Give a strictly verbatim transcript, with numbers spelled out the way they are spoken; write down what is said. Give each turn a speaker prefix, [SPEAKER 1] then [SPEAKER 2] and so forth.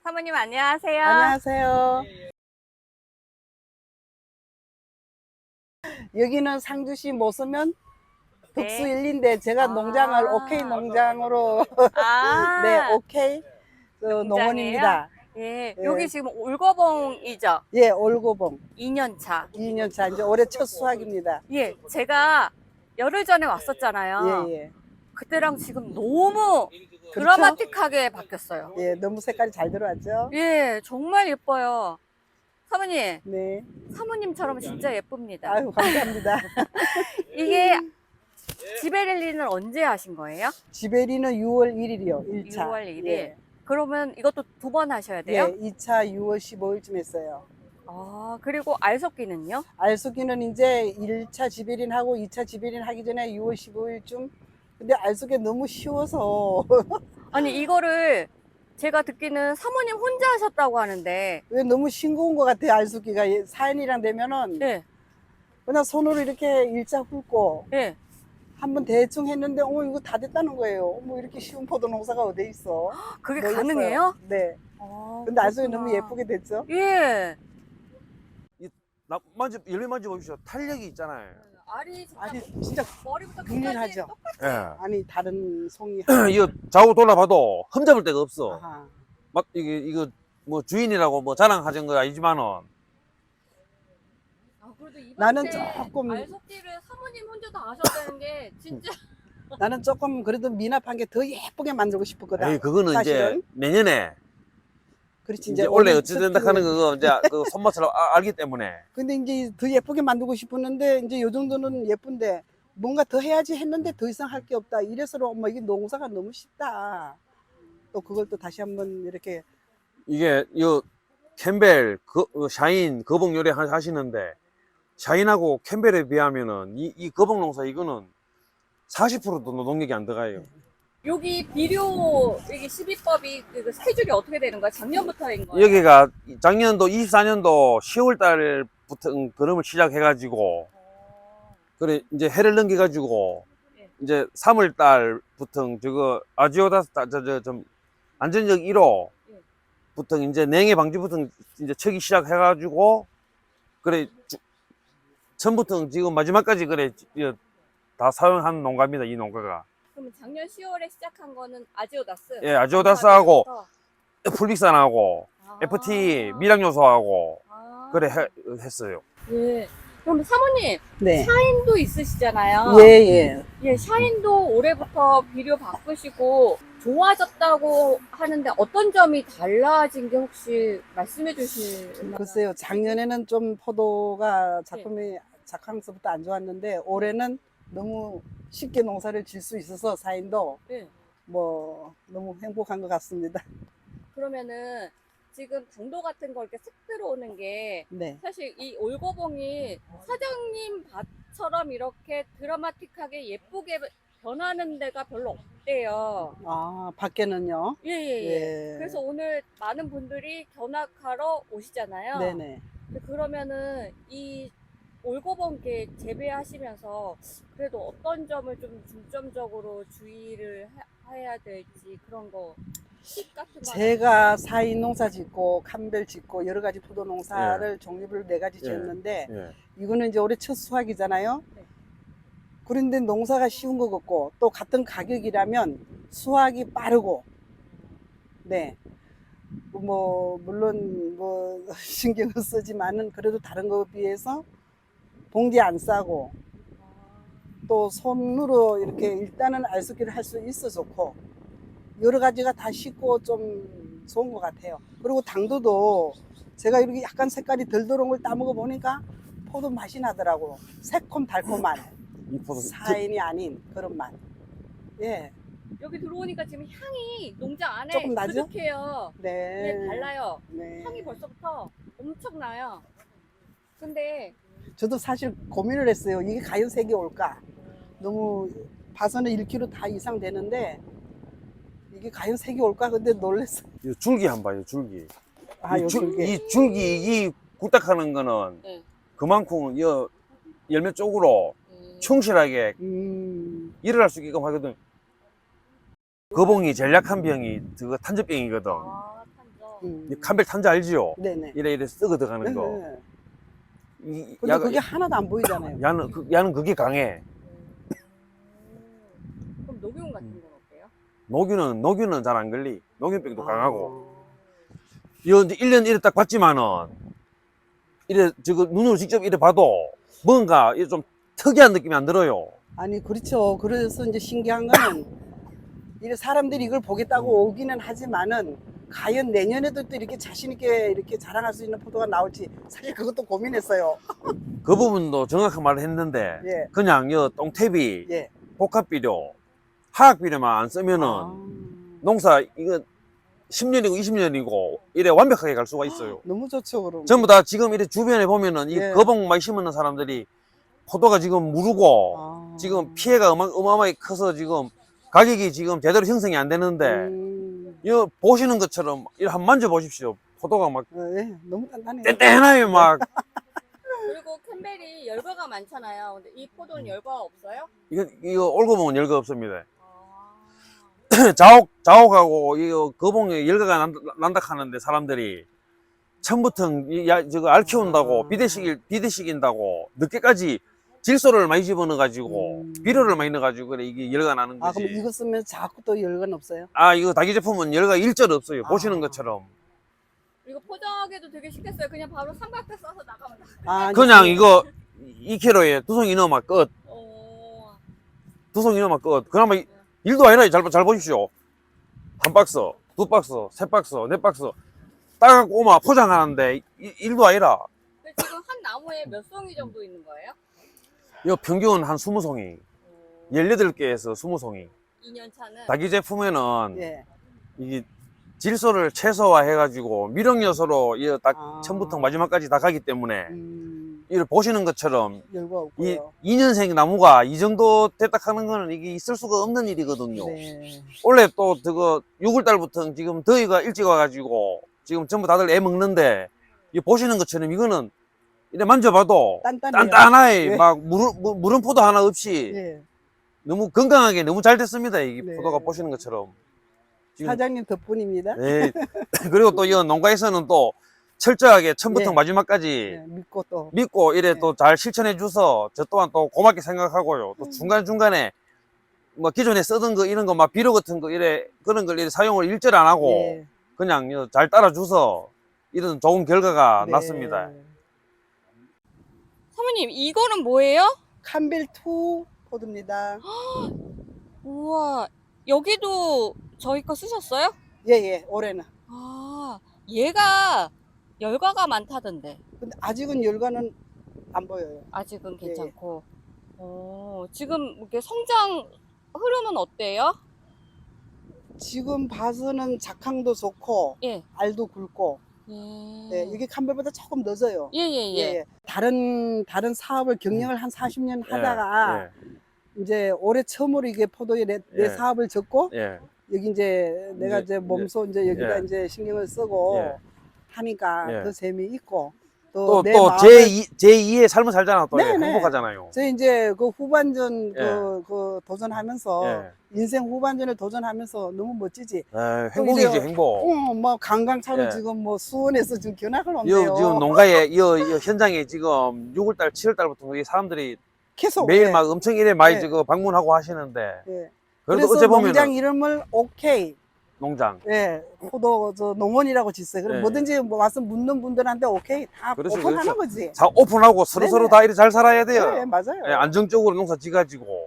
[SPEAKER 1] 사모님 안녕하세요.
[SPEAKER 2] 안녕하세요. 여기는 상주시 모서면 덕수
[SPEAKER 1] 네.
[SPEAKER 2] 일리인데 제가
[SPEAKER 1] 아.
[SPEAKER 2] 농장을 오케이 농장으로
[SPEAKER 1] 아,
[SPEAKER 2] 네 오케이 그
[SPEAKER 1] 농장이에요?
[SPEAKER 2] 농원입니다.
[SPEAKER 1] 예,
[SPEAKER 2] 예.
[SPEAKER 1] 여기 지금 올거봉이죠?
[SPEAKER 2] 예, 올고봉
[SPEAKER 1] 이 년 차.
[SPEAKER 2] 이 년 차 이제 올해 첫 수확입니다.
[SPEAKER 1] 예, 제가 열흘 전에 왔었잖아요.
[SPEAKER 2] 예, 예.
[SPEAKER 1] 그때랑 지금 너무
[SPEAKER 2] 그렇죠?
[SPEAKER 1] 드라마틱하게 바뀌었어요.
[SPEAKER 2] 예, 너무 색깔이 잘 들어왔죠?
[SPEAKER 1] 예, 정말 예뻐요. 사모님,
[SPEAKER 2] 네.
[SPEAKER 1] 사모님처럼 진짜 예쁩니다.
[SPEAKER 2] 아유, 감사합니다.
[SPEAKER 1] 이게 지베렐리는 언제 하신 거예요?
[SPEAKER 2] 지베리는 유월 일일이요. 일 차.
[SPEAKER 1] 유월 일 일.
[SPEAKER 2] 예.
[SPEAKER 1] 그러면 이것도 두 번 하셔야 돼요?
[SPEAKER 2] 예, 이 차 유월 십오일쯤 했어요.
[SPEAKER 1] 아, 그리고 알속기는요?
[SPEAKER 2] 알속기는 이제 일 차 지베린 하고 이 차 지베린 하기 전에 유월 십오일쯤. 근데 알속기 너무 쉬워서
[SPEAKER 1] 아니, 이거를 제가 듣기는 사모님 혼자 하셨다고 하는데,
[SPEAKER 2] 왜 너무 싱거운 것 같아요. 알속기가 사연이랑 되면은
[SPEAKER 1] 네,
[SPEAKER 2] 그냥 손으로 이렇게 일자 훑고
[SPEAKER 1] 네.
[SPEAKER 2] 한번 대충 했는데 어머 이거 다 됐다는 거예요. 어머 이렇게 쉬운 포도 농사가 어디 있어?
[SPEAKER 1] 그게
[SPEAKER 2] 놀랐어요.
[SPEAKER 1] 가능해요?
[SPEAKER 2] 네.
[SPEAKER 1] 아,
[SPEAKER 2] 근데 알속기
[SPEAKER 1] 그렇구나.
[SPEAKER 2] 너무 예쁘게 됐죠?
[SPEAKER 1] 예.
[SPEAKER 3] 나 만져 열매 만져 보십시오. 탄력이 있잖아요.
[SPEAKER 1] 알이 진짜
[SPEAKER 2] 아니 진짜
[SPEAKER 1] 머리부터
[SPEAKER 2] 균일하죠.
[SPEAKER 3] 예.
[SPEAKER 2] 아니 다른 송이
[SPEAKER 3] 이거 좌우 돌아봐도 흠잡을 데가 없어.
[SPEAKER 2] 아하.
[SPEAKER 3] 막 이게 이거 뭐 주인이라고 뭐 자랑하는 거 아니지만은
[SPEAKER 1] 아, 그래도 이번
[SPEAKER 2] 나는
[SPEAKER 1] 때
[SPEAKER 2] 조금-
[SPEAKER 1] 알속기를 사모님 혼자 다 하셨다는 게 진짜
[SPEAKER 2] 나는 조금 그래도 미납한 게 더 예쁘게 만들고 싶었거든.
[SPEAKER 3] 에이 그거는
[SPEAKER 2] 사실은.
[SPEAKER 3] 이제 내년에
[SPEAKER 2] 그렇지
[SPEAKER 3] 이제 원래
[SPEAKER 2] 올해
[SPEAKER 3] 어찌
[SPEAKER 2] 첫
[SPEAKER 3] 된다 하는
[SPEAKER 2] 기회에.
[SPEAKER 3] 거 이제 그 손맛을 아- 알기 때문에
[SPEAKER 2] 근데 이제 더 예쁘게 만들고 싶었는데 이제 요 정도는 예쁜데 뭔가 더 해야지 했는데 더 이상 할 게 없다. 이래서 엄마 이게 농사가 너무 쉽다. 또 그걸 또 다시 한번 이렇게
[SPEAKER 3] 이게 요 캠벨 그 어, 샤인 거봉 요리 하- 하시는데 샤인하고 캠벨에 비하면은 이, 이 거봉 농사 이거는 사십 퍼센트도 노동력이 안 들어가요.
[SPEAKER 1] 여기 비료 이게 시비법이 그 세 줄이 어떻게 되는 거야? 작년부터인 거예요?
[SPEAKER 3] 여기가 작년도 이십사 년도 시월 달부터 그름을 시작해가지고 그래 이제 해를 넘겨가지고
[SPEAKER 1] 예.
[SPEAKER 3] 이제 삼월 달부터 저거 아지오다스 저저좀 안전적 일 호부터 이제 냉해 방지부터 이제 척이 시작해가지고 그래 주- 처음부터 지금 마지막까지 그래 이- 다 사용한 농가입니다. 이 농가가
[SPEAKER 1] 그러면 작년 시월에 시작한 거는 아지오다스.
[SPEAKER 3] 예 아지오다스하고
[SPEAKER 1] 감사합니다.
[SPEAKER 3] 풀빅산하고
[SPEAKER 1] 아.
[SPEAKER 3] 에프티 미량 요소하고
[SPEAKER 1] 아.
[SPEAKER 3] 그래 해- 했어요.
[SPEAKER 1] 예. 그럼 사모님
[SPEAKER 2] 네.
[SPEAKER 1] 샤인도 있으시잖아요.
[SPEAKER 2] 예, 예.
[SPEAKER 1] 예, 샤인도 올해부터 비료 바꾸시고 좋아졌다고 하는데 어떤 점이 달라진 게 혹시 말씀해 주실 만한-
[SPEAKER 2] 글쎄요. 작년에는 좀 포도가 작품이 작황서부터 안 좋았는데 올해는 너무 쉽게 농사를 질 수 있어서 사인도
[SPEAKER 1] 네.
[SPEAKER 2] 뭐 너무 행복한 것 같습니다.
[SPEAKER 1] 그러면은 지금 당도 같은 거 이렇게 색 들어오는 게
[SPEAKER 2] 네.
[SPEAKER 1] 사실 이 올거봉이 사장님 밭처럼 이렇게 드라마틱하게 예쁘게 변하는 데가 별로 없대요.
[SPEAKER 2] 아, 밖에는요?
[SPEAKER 1] 예, 예, 예.
[SPEAKER 2] 예.
[SPEAKER 1] 그래서 오늘 많은 분들이 견학하러 오시잖아요.
[SPEAKER 2] 네네.
[SPEAKER 1] 근데 그러면은 이 올거봉게 재배하시면서 그래도 어떤 점을 좀 중점적으로 주의를 하- 해야 될지 그런 거 팁 같은 거
[SPEAKER 2] 제가 사인 농사 짓고 캄벨 짓고 여러 가지 포도 농사를
[SPEAKER 3] 예.
[SPEAKER 2] 종류를 네 가지
[SPEAKER 3] 예.
[SPEAKER 2] 지었는데
[SPEAKER 3] 예.
[SPEAKER 2] 이거는 이제 올해 첫 수확이잖아요.
[SPEAKER 1] 네.
[SPEAKER 2] 그런데 농사가 쉬운 것 같고 또 같은 가격이라면 수확이 빠르고 네. 뭐 물론 뭐 신경을 쓰지만은 그래도 다른 거에 비해서 봉지 안 싸고 또 손으로 이렇게 일단은 알수기를 할 수 있어 좋고 여러 가지가 다 쉽고 좀 좋은 것 같아요. 그리고 당도도 제가 이렇게 약간 색깔이 덜 들어온 걸 따먹어 보니까 포도 맛이 나더라고. 새콤 달콤한
[SPEAKER 3] 이 포도
[SPEAKER 2] 사인이 아닌 그런 맛. 예,
[SPEAKER 1] 여기 들어오니까 지금 향이 농장 안에
[SPEAKER 2] 조금 나죠?
[SPEAKER 1] 그득해요.
[SPEAKER 2] 네.
[SPEAKER 1] 예, 달라요.
[SPEAKER 2] 네.
[SPEAKER 1] 향이 벌써부터 엄청 나요. 근데
[SPEAKER 2] 저도 사실 고민을 했어요. 이게 과연 색이 올까? 너무 봐서는 일 킬로그램 다 이상 되는데 이게 과연 색이 올까? 근데 놀랐어요.
[SPEAKER 3] 이 줄기 한번 봐요. 줄기.
[SPEAKER 2] 아,
[SPEAKER 3] 이,
[SPEAKER 2] 요
[SPEAKER 3] 줄-
[SPEAKER 2] 줄기.
[SPEAKER 3] 이 줄기 이 굴딱하는 거는
[SPEAKER 1] 네.
[SPEAKER 3] 그만큼 이 열매 쪽으로
[SPEAKER 1] 음,
[SPEAKER 3] 충실하게
[SPEAKER 2] 음,
[SPEAKER 3] 일을 할 수 있게끔 하거든. 거봉이 제일 약한 병이 그거 탄저병이거든.
[SPEAKER 1] 아, 탄저.
[SPEAKER 2] 음.
[SPEAKER 3] 이 캄벨 탄자 알지요?
[SPEAKER 2] 네네.
[SPEAKER 3] 이래 이래 썩어 들어가는 거.
[SPEAKER 2] 네.
[SPEAKER 3] 이,
[SPEAKER 2] 근데
[SPEAKER 3] 야가-
[SPEAKER 2] 그게 하나도 안 보이잖아요.
[SPEAKER 3] 야는 그, 야는 그게 강해.
[SPEAKER 1] 음. 그럼 녹용 같은 건 어때요?
[SPEAKER 3] 녹유는 녹유는 잘 안 걸리. 녹유병도
[SPEAKER 2] 아.
[SPEAKER 3] 강하고. 이거 이제 일 년 이래 딱 봤지만은 이래 저거 눈으로 직접 이래 봐도 뭔가 이래 좀 특이한 느낌이 안 들어요.
[SPEAKER 2] 아니 그렇죠. 그래서 이제 신기한 거는 이래 사람들이 이걸 보겠다고 오기는 하지만은 과연 내년에도 또 이렇게 자신 있게 이렇게 자랑할 수 있는 포도가 나올지 사실 그것도 고민했어요.
[SPEAKER 3] 그 부분도 정확한 말을 했는데
[SPEAKER 2] 예.
[SPEAKER 3] 그냥 이 똥탭이
[SPEAKER 2] 예.
[SPEAKER 3] 복합 비료, 화학 비료만 안 쓰면은
[SPEAKER 2] 아,
[SPEAKER 3] 농사 이거 십 년이고 이십 년이고 이래 완벽하게 갈 수가 있어요.
[SPEAKER 2] 너무 좋죠 그럼.
[SPEAKER 3] 전부 다 지금 이래 주변에 보면은 이
[SPEAKER 2] 예.
[SPEAKER 3] 거봉 많이 심는 사람들이 포도가 지금 무르고
[SPEAKER 2] 아.
[SPEAKER 3] 지금 피해가 어마, 어마어마하게 커서 지금 가격이 지금 제대로 형성이 안 되는데
[SPEAKER 2] 음,
[SPEAKER 3] 이거 보시는 것처럼 이거 한번 만져보십시오. 포도가 막
[SPEAKER 2] 어, 예. 너무 단단해요.
[SPEAKER 3] 뗀뗀해요. 막
[SPEAKER 1] 그리고 캠벨이 열과가 많잖아요. 근데 이 포도는 열과가 없어요?
[SPEAKER 3] 이거 이거 올고 보면 열거 없습니다.
[SPEAKER 1] 아.
[SPEAKER 3] 자옥 자옥하고 이거 거봉에 열가가 난다, 난다 하는데 사람들이 처음부터 이 야, 저거 알 키운다고
[SPEAKER 2] 아.
[SPEAKER 3] 비대식 비대식인다고 늦게까지 질소를 많이 집어넣어 가지고
[SPEAKER 2] 음.
[SPEAKER 3] 비료를 많이 넣어 가지고 그래 이게 열가 나는
[SPEAKER 2] 아
[SPEAKER 3] 거지.
[SPEAKER 2] 그럼 이거 쓰면 자꾸 또 열건 없어요?
[SPEAKER 3] 아 이거 다기 제품은 열가 일절 없어요.
[SPEAKER 2] 아.
[SPEAKER 3] 보시는 것처럼
[SPEAKER 1] 이거 포장하기도 되게 쉽겠어요. 그냥 바로 삼각대 써서 나가면 다.
[SPEAKER 2] 아,
[SPEAKER 3] 그냥
[SPEAKER 2] 이제-
[SPEAKER 3] 이거 이 킬로에 두 송이 넣으면 끝.
[SPEAKER 1] 어.
[SPEAKER 3] 두 송이 넣으면 끝. 그나마 이- 일도 아니라 잘, 잘 보십시오. 한 박스, 두 박스, 세 박스, 네 박스 따갖고 오마 포장하는데 이- 일도 아니라
[SPEAKER 1] 근데 지금 한 나무에 몇 송이 정도 있는 거예요?
[SPEAKER 3] 이거 평균 한 스무 송이,
[SPEAKER 1] 어.
[SPEAKER 3] 열여덟 개에서 스무 송이.
[SPEAKER 1] 이 년 차는
[SPEAKER 3] 다기 제품에는
[SPEAKER 2] 예.
[SPEAKER 3] 이게 질소를 최소화해가지고 미력 요소로 이거 딱
[SPEAKER 2] 아.
[SPEAKER 3] 처음부터 마지막까지 다 가기 때문에
[SPEAKER 2] 음,
[SPEAKER 3] 이걸 보시는 것처럼
[SPEAKER 2] 열거
[SPEAKER 3] 이
[SPEAKER 2] 없고요.
[SPEAKER 3] 이 년생 나무가 이 정도 됐다 하는 거는 이게 있을 수가 없는 일이거든요.
[SPEAKER 2] 네.
[SPEAKER 3] 원래 또 그거 유월 달부터 지금 더위가 일찍 와가지고 지금 전부 다들 애 먹는데 이 보시는 것처럼 이거는 이래 만져봐도
[SPEAKER 2] 단단해요.
[SPEAKER 3] 단단하게
[SPEAKER 2] 예.
[SPEAKER 3] 막 무른, 무- 무른 포도 하나 없이
[SPEAKER 2] 예.
[SPEAKER 3] 너무 건강하게 너무 잘 됐습니다. 이
[SPEAKER 2] 네.
[SPEAKER 3] 포도가 보시는 것처럼. 지금,
[SPEAKER 2] 사장님 덕분입니다.
[SPEAKER 3] 네. 그리고 또 이 농가에서는 또 철저하게 처음부터
[SPEAKER 2] 예.
[SPEAKER 3] 마지막까지
[SPEAKER 2] 예, 믿고 또.
[SPEAKER 3] 믿고 이래
[SPEAKER 2] 네.
[SPEAKER 3] 또 잘 실천해 줘서 저 또한 또 고맙게 생각하고요. 또
[SPEAKER 2] 음.
[SPEAKER 3] 중간중간에 뭐 기존에 쓰던 거 이런 거 막 비료 같은 거 이래 그런 걸 이래 사용을 일절 안 하고
[SPEAKER 2] 예.
[SPEAKER 3] 그냥 요 잘 따라줘서 이런 좋은 결과가
[SPEAKER 2] 네.
[SPEAKER 3] 났습니다.
[SPEAKER 1] 사모님 이거는 뭐예요?
[SPEAKER 2] 캄벨 투 포드입니다.
[SPEAKER 1] 우와 여기도 저희 거 쓰셨어요?
[SPEAKER 2] 예, 예, 올해는.
[SPEAKER 1] 아 얘가 열과가 많다던데
[SPEAKER 2] 근데 아직은 열과는 안 보여요.
[SPEAKER 1] 아직은
[SPEAKER 2] 예,
[SPEAKER 1] 괜찮고. 어, 지금 이렇게 성장 흐름은 어때요?
[SPEAKER 2] 지금 봐서는 작황도 좋고,
[SPEAKER 1] 예.
[SPEAKER 2] 알도 굵고,
[SPEAKER 1] 예.
[SPEAKER 2] 네, 이게 캄벨보다 조금 늦어요.
[SPEAKER 1] 예, 예, 예.
[SPEAKER 2] 예, 다른, 다른 사업을 경영을 한 사십 년 하다가,
[SPEAKER 3] 예,
[SPEAKER 2] 이제 올해 처음으로 이게 포도에 내, 내
[SPEAKER 3] 예.
[SPEAKER 2] 사업을 접고,
[SPEAKER 3] 예,
[SPEAKER 2] 여기 이제 내가
[SPEAKER 3] 이제-
[SPEAKER 2] 이제 몸소 이제 여기다
[SPEAKER 3] 예.
[SPEAKER 2] 이제 신경을 쓰고
[SPEAKER 3] 예.
[SPEAKER 2] 하니까
[SPEAKER 3] 예.
[SPEAKER 2] 더 재미있고, 또
[SPEAKER 3] 또,
[SPEAKER 2] 내
[SPEAKER 3] 또,
[SPEAKER 2] 마음을-
[SPEAKER 3] 제이, 제이의 삶을 살잖아. 또
[SPEAKER 2] 네네.
[SPEAKER 3] 행복하잖아요.
[SPEAKER 2] 저 이제 그 후반전
[SPEAKER 3] 예.
[SPEAKER 2] 그, 그 도전하면서
[SPEAKER 3] 예.
[SPEAKER 2] 인생 후반전을 도전하면서 너무 멋지지.
[SPEAKER 3] 에,
[SPEAKER 2] 또
[SPEAKER 3] 행복이지,
[SPEAKER 2] 이제-
[SPEAKER 3] 행복.
[SPEAKER 2] 어, 뭐 관광차로
[SPEAKER 3] 예.
[SPEAKER 2] 지금 뭐 수원에서 지금 견학을
[SPEAKER 3] 이
[SPEAKER 2] 온대요.
[SPEAKER 3] 지금 농가에, 이, 이 현장에 지금 유월 달, 칠월 달부터 이 사람들이
[SPEAKER 2] 계속
[SPEAKER 3] 매일
[SPEAKER 2] 예.
[SPEAKER 3] 막 엄청 이래 많이
[SPEAKER 2] 예.
[SPEAKER 3] 저거 방문하고 하시는데.
[SPEAKER 2] 예.
[SPEAKER 3] 그래도
[SPEAKER 2] 그래서
[SPEAKER 3] 어째 보면
[SPEAKER 2] 농장 이름을 오케이.
[SPEAKER 3] 농장.
[SPEAKER 2] 예, 포도 저 농원이라고 짓어요. 그럼
[SPEAKER 3] 예.
[SPEAKER 2] 뭐든지 뭐 와서 묻는 분들한테 오케이 다
[SPEAKER 3] 그렇죠,
[SPEAKER 2] 오픈하는
[SPEAKER 3] 그렇죠.
[SPEAKER 2] 거지.
[SPEAKER 3] 자, 오픈하고 서로서로
[SPEAKER 2] 네네.
[SPEAKER 3] 다 이래 잘 살아야 돼요.
[SPEAKER 2] 예, 맞아요.
[SPEAKER 3] 예, 안정적으로 농사 지가지고.